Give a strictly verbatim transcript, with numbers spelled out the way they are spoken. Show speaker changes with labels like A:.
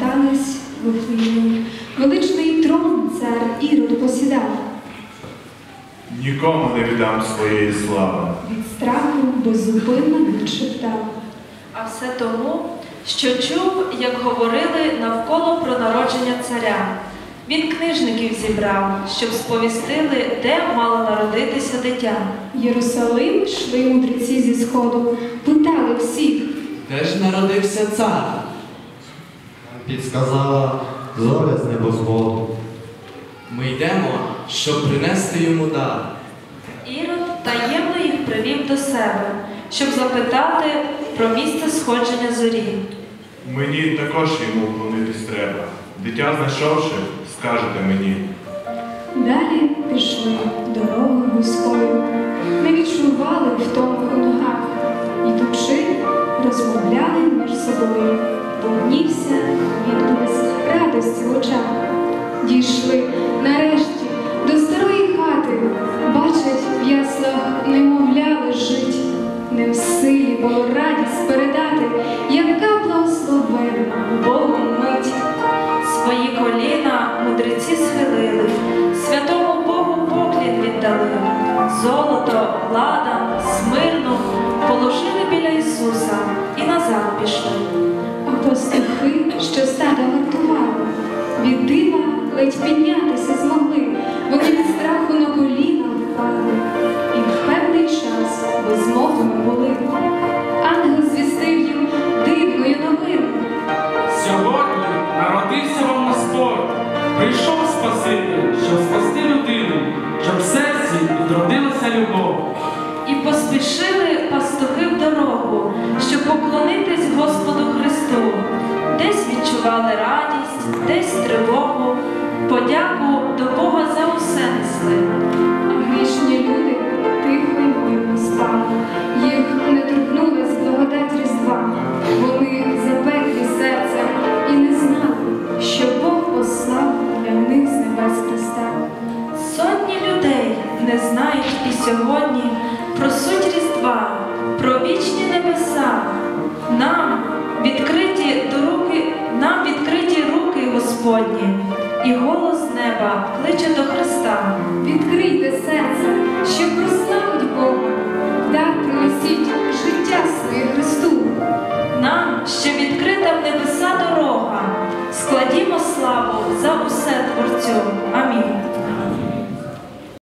A: вертались в Вифлеєм. Величний трон цар Ірод посідав.
B: Нікому не віддам своєї слави.
A: Від страху беззупинно він шептав.
C: А все тому, що чув, як говорили навколо про народження царя. Він книжників зібрав, щоб сповістили, де мало народитися дитя.
A: В Єрусалим йшли мудреці зі сходу, питали всіх.
D: Де ж народився цар?
E: Підсказала зоря з небосводу.
D: Ми йдемо, щоб принести йому дар.
C: Ірод таємно їх привів до себе, щоб запитати про місце сходження зорі.
B: Мені також йому вклонитись треба. Дитя знайшовши, скажете мені.
A: Далі пішли дорогою вузькою, не відчували втому у ногах. Ідучи, розмовляли між собою, виднівся відблиск радості в очах. Дійшли нарешті до старої хати, бачать в яслах немовля лежить. Не в силі було радість передати, яка благословенна Богом мить.
C: Свої коліна мудреці схилили, святому Богу поклін віддали. Золото, ладан, смирну положили біля Ісуса і назад пішли.
A: А пастухи, що стада вартували, від дива ледь піднятися змогли, вони від страху на коліна впали, і в певний час безмовними були. Ангел звістив їм дивною новину.
F: Сьогодні народився вам Господь, прийшов Спаситель, щоб спасти людину, щоб в серці відродилася любов.
C: І поспішили пастухи в дорогу, щоб поклонитись Господу Христу. Десь відчували радість, десь тривогу, подяку до Бога за усе несли.
A: А грішні люди тихо й мирно спали, їх не торкнулась благодать Різдва. Вони запеклі серцем і не знали, що Бог послав для них з небес Христа.
C: Сотні людей не знають і сьогодні про суть Різдва, про вічні небеса. Нам відкриті до руки, нам відкриті руки Господні, і голос неба кличе до Христа.
A: Відкрийте серце, щоб просити